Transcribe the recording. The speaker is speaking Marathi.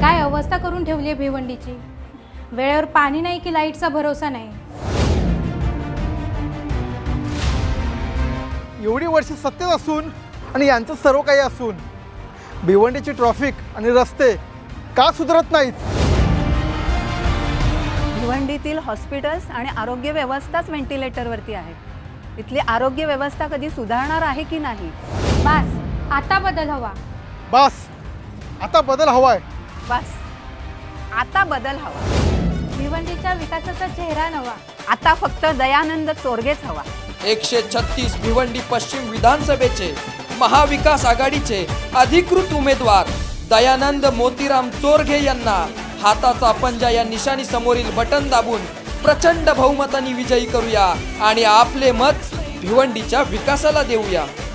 काय अवस्था करून ठेवली आहे भिवंडीची। वेळेवर पाणी नाही की लाईटचा भरोसा नाही। एवढी वर्ष सत्तेत असून आणि यांचं सर्व काही असून भिवंडीची ट्रॅफिक आणि रस्ते का सुधारत नाहीत? भिवंडीतील हॉस्पिटल्स आणि आरोग्य व्यवस्थाच व्हेंटिलेटरवरती आहेत। इथली आरोग्य व्यवस्था कधी सुधारणार आहे की नाही? बस आता बदल हवा। बस आता बदल हवाय। बस आता बदल हवा। भिवंडीच्या विकासाचा चेहरा नवा। आता फक्त दयानंद चोरगेच हवा। 136 भिवंडी पश्चिम विधानसभेचे महाविकास आघाडीचे अधिकृत उमेदवार दयानंद मोतीराम चोरगे यांना हाताचा पंजा या निशाणी समोरील बटन दाबून प्रचंड बहुमताने विजयी करूया आणि आपले मत भिवंडीच्या विकासाला देऊया।